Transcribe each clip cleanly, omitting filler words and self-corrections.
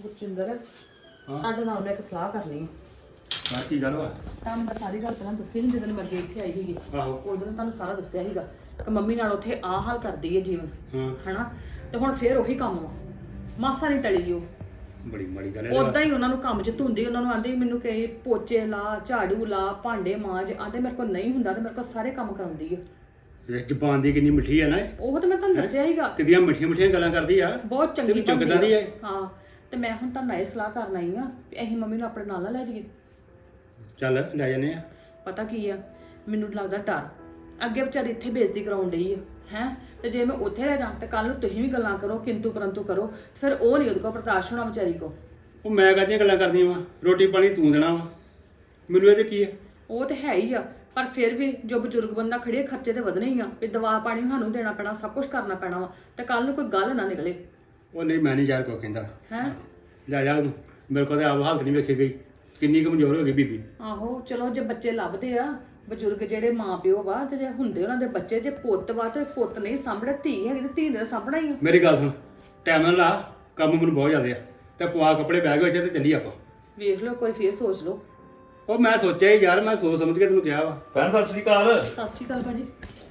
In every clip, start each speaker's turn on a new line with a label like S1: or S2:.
S1: ਗੁਰਜਿੰਦਰ
S2: ਹਾਂ
S1: ਤੁਹਾਡੇ ਨਾਲ ਮੈਂ ਇੱਕ ਸਲਾਹ ਕਰਨੀ ਹੈ।
S2: ਬਾਹਰ ਕੀ ਗੱਲ ਵਾ?
S1: ਤੁਹਾਨੂੰ ਮੈਂ ਸਾਰੀ ਗੱਲ ਪਹਿਲਾਂ ਦੱਸੀ ਨਹੀਂ ਜਦੋਂ ਮੈਂ ਅੱਗੇ ਇੱਥੇ ਆਈ ਸੀਗੀ।
S2: ਆਹੋ
S1: ਉਦੋਂ ਤੁਹਾਨੂੰ ਸਾਰਾ ਦੱਸਿਆ ਸੀਗਾ ਕਿ ਮੰਮੀ ਨਾਲ ਉੱਥੇ ਆਹ ਹਾਲ ਕਰਦੀ ਹੈ ਜੀਵਨ
S2: ਹਾਂ
S1: ਹਨਾ। ਤੇ ਹੁਣ ਫੇਰ ਉਹੀ ਕੰਮ ਵਾ, ਮਾਸਾ ਨਹੀਂ ਟਲੀ ਉਹ।
S2: ਬੜੀ ਮਾੜੀ ਗੱਲ ਹੈ।
S1: ਉਦਾਂ ਹੀ ਉਹਨਾਂ ਨੂੰ ਕੰਮ 'ਚ ਧੁੰਦੀ, ਉਹਨਾਂ ਨੂੰ ਆਂਦੇ ਮੈਨੂੰ ਕਹੇ ਪੋਚੇ ਲਾ, ਝਾੜੂ ਲਾ, ਭਾਂਡੇ ਮਾਂਜ, ਆਂਦੇ ਮੇਰੇ ਕੋਲ ਨਹੀਂ ਹੁੰਦਾ ਤੇ ਮੇਰੇ ਕੋਲ ਸਾਰੇ ਕੰਮ ਕਰਾਉਂਦੀ ਹੈ।
S2: ਇਹ ਜ਼ਬਾਨ ਦੀ ਕਿੰਨੀ ਮਿੱਠੀ ਆ ਨਾ ਇਹ।
S1: ਉਹ ਤਾਂ ਮੈਂ ਤੁਹਾਨੂੰ ਦੱਸਿਆ ਸੀਗਾ,
S2: ਕਿੰਨੀਆਂ ਮਿੱਠੀਆਂ ਮਿੱਠੀਆਂ ਗੱਲਾਂ ਕਰਦੀ ਆ।
S1: ਬਹੁਤ ਚੰਗੀ
S2: ਵਿੱਚੋਂ
S1: ਬਣਦੀ
S2: ਕਿੱਦਾਂ ਦੀ
S1: ਆ।
S2: ਹੈ?
S1: ਹਾਂ ਤੇ ਮੈਂ ਹੁਣ ਤੁਹਾਨੂੰ ਇਹ ਸਲਾਹ ਕਰਨ ਆਈ ਆ ਵੀ ਅਸੀਂ ਮੰਮੀ ਨੂੰ ਆਪਣੇ ਨਾਲ ਨਾ ਲੈ ਜਾਈਏ।
S2: ਚੱਲ ਲੈ ਜਾਂਦੇ ਆ।
S1: ਪਤਾ ਕੀ ਆ, ਮੈਨੂੰ ਲੱਗਦਾ ਡਰ ਅੱਗੇ ਵਿਚਾਰੀ ਇੱਥੇ ਬੇਇੱਜ਼ਤੀ ਕਰਾਉਣ ਡਈ ਆ ਹੈ। ਤੇ ਜੇ ਮੈਂ ਉੱਥੇ ਰਹਿ ਜਾਂ ਤੇ ਕੱਲ ਨੂੰ ਤੁਸੀਂ ਵੀ ਗੱਲਾਂ ਕਰੋ, ਕਿੰਤੂ ਪਰੰਤੂ ਕਰੋ, ਫਿਰ ਉਹ ਨਹੀਂ ਉਹਦੇ ਕੋਲ ਬਰਦਾਸ਼ਤ ਹੋਣਾ ਵਿਚਾਰੀ ਕੋ।
S2: ਉਹ ਮੈਂ ਕਾਹਦੀਆਂ ਗੱਲਾਂ ਕਰਦੀਆਂ ਵਾ, ਰੋਟੀ ਪਾਣੀ ਤੂੰ ਦੇਣਾ ਵਾ, ਮੈਨੂੰ ਇਹਦੇ ਕੀ ਆ।
S1: ਉਹ ਤੇ ਹੈ ਹੀ ਆ, ਪਰ ਫਿਰ ਵੀ ਜੋ ਬਜ਼ੁਰਗ ਬੰਦਾ ਖੜੇ, ਖਰਚੇ ਤੇ ਵਧਣੇ ਹੀ ਆ ਵੀ ਦਵਾ ਪਾਣੀ ਵੀ ਸਾਨੂੰ ਦੇਣਾ ਪੈਣਾ, ਸਭ ਕੁਝ ਕਰਨਾ ਪੈਣਾ ਵਾ। ਤੇ ਕੱਲ ਨੂੰ ਕੋਈ ਗੱਲ ਨਾ ਨਿਕਲੇ।
S2: ਉਹ ਨਹੀਂ ਮੈਂ ਨਹੀਂ ਯਾਰ ਕੋ ਕਹਿੰਦਾ
S1: ਹੈ
S2: ਜਾ ਜਾ ਤੂੰ, ਮੇਰੇ ਕੋਲ ਤਾਂ ਆਪ ਹਾਲਤ ਨਹੀਂ ਵੇਖੀ ਗਈ, ਕਿੰਨੀ ਕਮਜ਼ੋਰ ਹੋ ਗਈ ਬੀਬੀ।
S1: ਆਹੋ ਚਲੋ ਜੇ ਬੱਚੇ ਲੱਭਦੇ ਆ, ਬਜ਼ੁਰਗ ਜਿਹੜੇ ਮਾਂ ਪਿਓ ਵਾ ਤੇ ਜੇ ਹੁੰਦੇ ਉਹਨਾਂ ਦੇ ਬੱਚੇ, ਜੇ ਪੁੱਤ ਵਾ ਤੇ ਪੁੱਤ ਨਹੀਂ ਸਾਂਭਣਾ, ਧੀ ਹੈਗੀ ਤੇ ਧੀ ਨੇ ਸਾਂਭਣਾ ਹੀ ਆ।
S2: ਮੇਰੀ ਗੱਲ ਸੁਣ, ਟਾਈਮ ਨਾਲ ਲਾ, ਕੰਮ ਮੈਨੂੰ ਬਹੁਤ ਜ਼ਿਆਦਾ ਆ, ਤੇ ਪਵਾ ਕੱਪੜੇ ਬੈਗ ਵਿੱਚ ਤੇ ਚੱਲੀ ਆਪਾਂ।
S1: ਵੇਖ ਲਓ ਕੋਈ ਫੇਰ ਸੋਚ ਲਓ।
S2: ਉਹ ਮੈਂ ਸੋਚਿਆ ਹੀ ਯਾਰ, ਮੈਂ ਸੋਚ ਸਮਝ ਕੇ ਤੈਨੂੰ ਕਿਹਾ ਵਾ।
S3: ਭੈਣ ਸਤਿ ਸ੍ਰੀ ਅਕਾਲ।
S1: ਸਤਿ ਸ਼੍ਰੀ ਅਕਾਲ ਭਾਜੀ।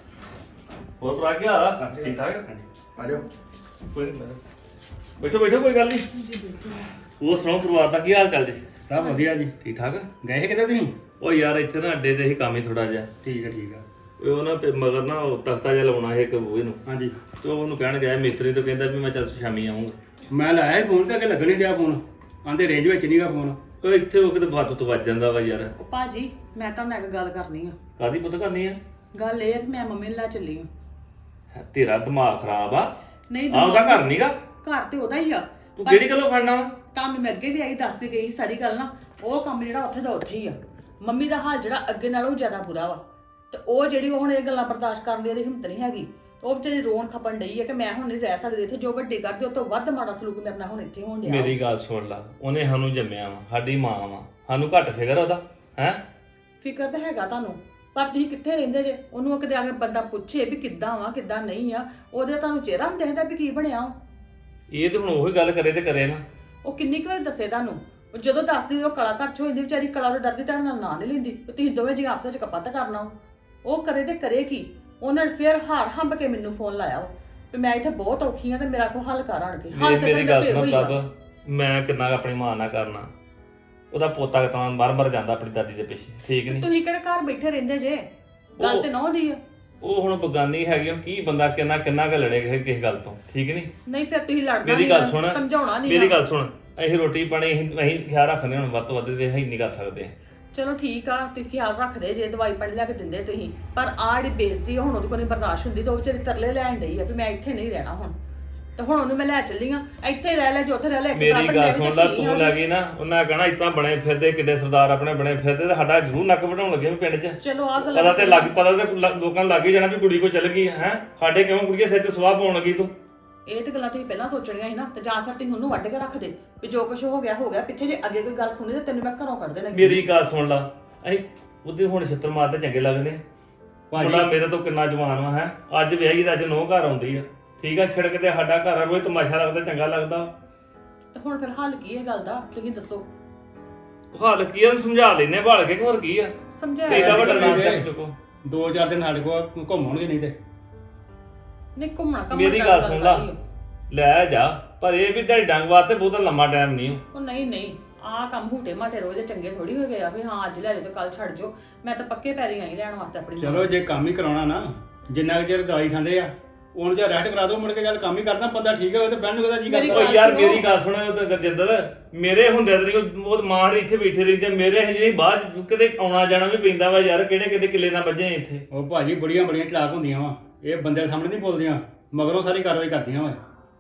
S3: ਹੋਰ ਭਰਾ ਕੀ ਹਾਲ ਆ? ਠੀਕ ਠਾਕ?
S2: ਆ ਜਾਓ।
S3: ਕੋਈ ਨੀ, ਬੈਠੋ ਬੈਠੋ, ਕੋਈ ਗੱਲ ਨਹੀਂ।
S1: ਜੀ ਬਿਲਕੁਲ।
S3: ਹੋਰ ਸੁਣਾਓ, ਪਰਿਵਾਰ ਦਾ ਕੀ ਹਾਲ ਚਾਲ ਜੀ?
S2: ਸਭ ਵਧੀਆ ਜੀ।
S3: ਠੀਕ ਠਾਕ?
S2: ਗਏ ਸੀ ਕਿਤੇ ਤੁਸੀਂ?
S3: ਉਹ ਯਾਰ ਇੱਥੇ ਨਾ ਅੱਡੇ ਤੇ ਹੀ ਕੰਮ ਹੀ ਥੋੜਾ ਜਿਹਾ।
S2: ਠੀਕ ਆ ਠੀਕ ਆ।
S3: ਉਹ ਨਾ ਮਗਰ ਨਾ ਉਹ ਤਖਤਾ ਜਿਹਾ ਲਾਉਣਾ ਹੈ ਇੱਕ ਬੂਹੇ ਨੂੰ,
S2: ਹਾਂਜੀ
S3: ਤੇ ਉਹਨੂੰ ਕਹਿਣ ਗਿਆ ਮਿਸਤਰੀ ਤੋਂ, ਕਹਿੰਦਾ ਵੀ ਮੈਂ ਚੱਲ ਸ਼ਾਮੀ ਆਉਂਗਾ।
S2: ਮੈਂ ਲਾਇਆ ਫੋਨ ਤੇ ਅੱਗੇ ਲੱਗਣ ਨਹੀਂ ਰਿਹਾ ਫੋਨ, ਆਂਦੇ ਰੇਂਜ ਵਿੱਚ ਨਹੀਂਗਾ ਫੋਨ।
S3: ਉਹ ਇੱਥੇ ਉਹ ਕਿਤੇ ਬਾਤ ਤੋਂ ਵੱਜ ਜਾਂਦਾ ਵਾ ਯਾਰ।
S1: ਉਹ ਭਾਜੀ ਮੈਂ ਤੁਹਾਨੂੰ ਇੱਕ ਗੱਲ ਕਰਨੀ ਆ।
S3: ਕਾਦੀ ਪੁੱਤ ਕਰਨੀ ਆ?
S1: ਗੱਲ ਇਹ ਆ ਕਿ ਮੈਂ ਮੰਮੀ ਨੂੰ ਲੈ ਚੱਲੀ ਆ।
S3: ਤੇਰਾ ਦਿਮਾਗ ਖਰਾਬ ਆ?
S1: ਨਹੀਂ
S3: ਆ ਉਹਦਾ ਘਰ ਨਹੀਂਗਾ,
S1: ਘਰ ਤੇ ਉਹਦਾ ਹੀ ਆ।
S3: ਤੂੰ ਕਿਹੜੀ ਗੱਲੋਂ ਫੜਨਾ ਵਾ?
S1: ਤੁਹਾਨੂੰ ਮੈਂ ਅੱਗੇ ਵੀ ਆਈ ਦੱਸ ਕੇ ਗਈ ਸਾਰੀ ਗੱਲ ਨਾ। ਉਹ ਕੰਮ ਜਿਹੜਾ ਉੱਥੇ ਦਾ ਉੱਥੇ ਹੀ ਆ। ਮੰਮੀ ਦਾ ਹਾਲ ਜਿਹੜਾ ਅੱਗੇ ਨਾਲੋਂ ਵੀ ਜ਼ਿਆਦਾ ਬੁਰਾ ਵਾ। ਤੇ ਉਹ ਜਿਹੜੀ ਉਹ ਹੁਣ ਇਹ ਗੱਲਾਂ ਬਰਦਾਸ਼ਤ ਕਰਨ ਦੀ ਉਹਦੀ ਹਿੰਮਤ ਨਹੀਂ ਹੈਗੀ। ਉਹ ਵਿਚਾਰੀ ਰੋਣ ਖਪਣ ਡਈ ਹੈ ਕਿ ਮੈਂ ਹੁਣ ਨਹੀਂ ਰਹਿ ਸਕਦੀ ਇੱਥੇ। ਜੋ ਵੱਡੇ ਕਰਦੇ ਉਹ ਤੋਂ ਵੱਧ ਮਾੜਾ ਸਲੂਕ ਮੇਰੇ ਨਾਲ ਹੁਣ ਇੱਥੇ ਹੋਣ ਡਿਆ।
S3: ਮੇਰੀ ਗੱਲ ਸੁਣ ਲਾ, ਉਹਨੇ ਸਾਨੂੰ ਜੰਮਿਆ ਵਾ, ਸਾਡੀ ਮਾਂ ਵਾ, ਸਾਨੂੰ ਘੱਟ ਫਿਕਰ ਉਹਦਾ ਹੈ?
S1: ਫਿਕਰ ਤਾਂ ਹੈਗਾ ਤੁਹਾਨੂੰ, ਪਰ ਤੁਸੀਂ ਕਿੱਥੇ ਰਹਿੰਦੇ ਜੇ? ਉਹਨੂੰ ਕਿਤੇ ਆ ਕੇ ਬੰਦਾ ਪੁੱਛੇ ਵੀ ਕਿੱਦਾਂ ਵਾ ਕਿੱਦਾਂ ਨਹੀਂ ਆ, ਉਹਦੇ ਤੁਹਾਨੂੰ ਚਿਹਰਾ ਨਹੀਂ ਦਿਖਦਾ ਵੀ ਕੀ ਬਣਿਆ ਉਹ।
S3: ਇਹ ਤੇ ਹੁਣ ਉਹੀ ਗੱਲ ਕਰੇ ਤੇ ਕਰੇ ਨਾ।
S1: ਉਹ ਕਿੰਨੀ ਕੁ ਵਾਰੀ ਦੱਸੇ ਤੁਹਾਨੂੰ? ਉਹ ਜਦੋਂ ਦੱਸਦੀ ਉਹ ਕਲਾ ਘਰ ਚ ਹੋ ਜਾਂਦੀ ਵਿਚਾਰੀ, ਕਲਾ ਤੋਂ ਡਰਦੀ ਤੁਹਾਡੇ ਨਾਲ ਨਾਂ ਨਹੀਂ ਲੈਂਦੀ। ਤੁਸੀਂ ਦੋਵੇਂ ਜੀ ਆਪਸ ਵਿੱਚ ਕਪੱਤ ਕਰਨਾ। ਉਹ ਕਰੇ ਤੇ ਕਰੇ ਕੀ? ਉਹਨਾਂ ਨੇ ਫਿਰ ਹਾਰ ਹੰਬ ਕੇ ਮੈਨੂੰ ਫੋਨ ਲਾਇਆ ਵੀ ਮੈਂ ਇੱਥੇ ਬਹੁਤ ਔਖੀ ਆ ਤੇ ਮੇਰਾ ਕੋਈ ਹੱਲ ਕਰ ਆਣ ਕੇ।
S3: ਮੇਰੀ ਗੱਲ ਸੁਣ ਪ੍ਰਭ, ਮੈਂ ਕਿੰਨਾ ਆਪਣੀ ਮਾਂ ਨਾਲ ਕਰਨਾ। ਉਹਦਾ ਪੋਤਾ ਤਾਂ ਮਰ ਜਾਂਦਾ ਆਪਣੀ ਦਾਦੀ ਦੇ ਪਿੱਛੇ, ਠੀਕ ਨਹੀਂ?
S1: ਤੁਸੀਂ ਕਿਹੜੇ ਘਰ ਬੈਠੇ ਰਹਿੰਦੇ ਜੇ? ਗੱਲ ਤੇ ਨਹੁੰ ਦੀ ਆ।
S3: ਉਹ ਹੁਣ ਬਗਾਨੀ ਹੈਗੀ ਆ, ਕੀ ਬੰਦਾ ਕਿੰਨਾ ਕੁ ਲੜੇ ਕਿਸੇ ਗੱਲ ਤੋਂ, ਠੀਕ ਨਹੀਂ?
S1: ਨਹੀਂ ਫਿਰ ਤੁਸੀਂ ਲੜਨਾ
S3: ਮੇਰੀ ਗੱਲ ਸੁਣ,
S1: ਸਮਝਾਉਣਾ ਨਹੀਂ।
S3: ਮੇਰੀ ਗੱਲ ਸੁਣ, ਅਸੀਂ ਰੋਟੀ ਪਾਣੀ ਅਸੀਂ ਖਿਆਲ ਰੱਖਦੇ ਹੁਣ ਵੱਧ ਤੋਂ ਵੱਧ, ਤੇ ਅਸੀਂ ਨਹੀਂ ਕਰ ਸਕਦੇ।
S1: ਚਲੋ ਠੀਕ ਆ, ਤੁਸੀਂ ਖਿਆਲ ਰੱਖਦੇ ਜੇ, ਦਵਾਈ ਪਾਣੀ ਲੈ ਕੇ ਦਿੰਦੇ ਤੁਸੀਂ, ਪਰ ਆਹ ਜਿਹੜੀ ਬੇਇੱਜ਼ਤੀ ਹੁਣ ਉਹਦੇ ਕੋਲ ਨਹੀਂ ਬਰਦਾਸ਼ਤ ਹੁੰਦੀ। ਤੇ ਉਹ ਵਿਚਾਰੀ ਤਰਲੇ ਲੈਣ ਡਈ ਆ ਵੀ ਮੈਂ ਇੱਥੇ ਨਹੀਂ ਰਹਿਣਾ ਹੁਣ। ਤੇ ਹੁਣ ਉਹਨੂੰ ਮੈਂ ਲੈ ਚੱਲੀ ਆ, ਇੱਥੇ ਰਹਿ ਲੈ ਜੇ ਉੱਥੇ ਰਹਿ ਲੈ।
S3: ਮੇਰੀ ਗੱਲ ਸੁਣ ਲੈ, ਤੂੰ ਲੈ ਗਈ ਨਾ, ਉਹਨਾਂ ਕਹਿਣਾ ਇਤਨਾ ਬਣੇ ਫਿਰਦੇ, ਕਿੱਡੇ ਸਰਦਾਰ ਆਪਣੇ ਬਣੇ ਫਿਰਦੇ, ਤੇ ਸਾਡਾ ਜ਼ਰੂਰ ਨੱਕ ਵਢਾਉਣ ਲੱਗੇ ਵੀ ਪਿੰਡ 'ਚ।
S1: ਚਲੋ ਆ ਗੱਲ
S3: ਪਤਾ ਤੇ ਲੋਕਾਂ ਨੂੰ ਲੱਗ ਹੀ ਜਾਣਾ ਵੀ ਕੁੜੀ ਕੋ ਚੱਲ ਗਈ ਹੈ। ਸਾਡੇ ਕਿਉਂ ਕੁੜੀਏ ਸਿਰ ਤੇ ਸਵਾਹ ਪਾਉਣ ਲੱਗੀ ਤੂੰ?
S1: ਇਹ ਤੇ ਗੱਲਾਂ ਤੁਸੀਂ ਪਹਿਲਾਂ ਸੋਚਣੀਆਂ ਸੀ ਨਾ। ਤੇ ਜਾਂ ਫਿਰ ਤੁਸੀਂ ਉਹਨੂੰ ਵੱਢ ਕੇ ਰੱਖ ਦੇ ਵੀ ਜੋ ਕੁਝ ਹੋ ਗਿਆ। ਪਿੱਛੇ ਜੇ ਅੱਗੇ ਕੋਈ ਗੱਲ ਸੁਣੀ ਤੇ ਤੈਨੂੰ ਮੈਂ ਘਰੋਂ ਕੱਢ ਦੇਣਾ।
S3: ਮੇਰੀ ਗੱਲ ਸੁਣ ਲਾ, ਅਸੀਂ ਉਹਦੇ ਹੁਣ ਛਿੱਤਰ ਮਾਰਦੇ ਚੰਗੇ ਲੱਗਦੇ। ਮੁੰਡਾ ਮੇਰੇ ਤੋਂ ਕਿੰਨਾ ਜਵਾਨ ਵਾ ਹੈ, ਅੱਜ ਵਿਆਹੀ ਦਾ ਅੱਜ ਨੌ ਘਰ ਆਉਂਦੀ ਆ, ਠੀਕ ਆ? ਛਿੜਕ ਤੇ ਸਾਡਾ ਘਰ ਆ, ਰੋਜ਼ ਤਮਾਸ਼ਾ ਲੱਗਦਾ, ਚੰਗਾ ਲੱਗਦਾ।
S1: ਤੇ ਹੁਣ ਫਿਰ ਹੱਲ ਕੀ ਹੈ ਗੱਲ ਦਾ, ਤੁਸੀਂ ਦੱਸੋ।
S3: ਹਾਲ ਕੀ ਆ, ਸਮਝਾ ਲੈਨੇ ਭਾਲ ਕੇ, ਹੋਰ ਕੀ ਆ?
S1: ਸਮਝਾਇਆ
S3: ਇਹਦਾ ਵੱਡਾ ਨਾਮ ਚੱਕ ਚੁੱਕੋ।
S2: 2-4 ਦਿਨ ਸਾਡੇ ਕੋਲ ਘੁੰਮਣਗੇ ਨਹੀਂ ਤੇ।
S1: ਨਹੀਂ ਘੁੰਮਣਾ
S3: ਮੇਰੀ ਗੱਲ ਸੁਣ ਲਾ, ਲੈ ਜਾ, ਪਰ ਇਹ ਵੀ ਤੇਰੀ ਡੰਗ ਵਾਸਤੇ ਬਹੁਤਾ ਲੰਮਾ ਟਾਈਮ ਨਹੀਂ।
S1: ਉਹ ਨਹੀਂ ਆਹ ਕੰਮ ਹੂਟੇ ਮਾਟੇ ਰੋਜ਼ ਦੇ ਚੰਗੇ ਥੋੜੀ ਹੋ ਗਏ ਆ ਵੀ ਹਾਂ ਅੱਜ ਲੈ ਜਾਓ ਤੇ ਕੱਲ ਛੱਡ ਜਾਓ। ਮੈਂ ਤਾਂ ਪੱਕੇ ਪੈਰੀ ਆਈ ਲੈਣ ਵਾਸਤੇ ਆਪਣੀ।
S2: ਚਲੋ ਜੇ ਕੰਮ ਹੀ ਕਰਾਉਣਾ ਨਾ, ਜਿੰਨਾ ਕੁ ਚਿਰ ਦਵਾਈ ਖਾਂਦੇ ਆ ਉਹਨੂੰ ਜਾਂ ਰੈਸਟ ਕਰਾ ਦਿਓ, ਮੁੜ ਕੇ ਚੱਲ ਕੰਮ ਹੀ ਕਰਦਾ ਬੰਦਾ ਠੀਕ ਹੋਵੇ ਤੇ ਬਹਿਣ ਨੂੰ ਉਹਦਾ ਜੀ ਕਰਦਾ।
S3: ਓ ਯਾਰ ਮੇਰੀ ਗੱਲ ਸੁਣ, ਉਹ ਤਾਂ ਗਰਜਿੰਦਰ ਮੇਰੇ ਹੁੰਦੇ ਤੇ ਉਹ ਮਾਂ ਇੱਥੇ ਬੈਠੇ ਰਹਿੰਦੇ, ਮੇਰੇ ਹਜੇ ਬਾਅਦ ਕਿਤੇ ਆਉਣਾ ਜਾਣਾ ਵੀ ਪੈਂਦਾ ਵਾ ਯਾਰ। ਕਿਹੜੇ ਕਿੱਲੇ ਨਾਲ ਵੱਜੇ ਇੱਥੇ।
S2: ਉਹ ਭਾਜੀ ਬੜੀਆਂ ਚਲਾਕ ਹੁੰਦੀਆਂ ਵਾ, ਇਹ ਬੰਦੇ ਸਾਹਮਣੇ ਨਹੀਂ ਬੋਲਦੀਆਂ, ਮਗਰੋਂ ਸਾਰੀ ਕਾਰਵਾਈ ਕਰਦੀਆਂ ਵਾ।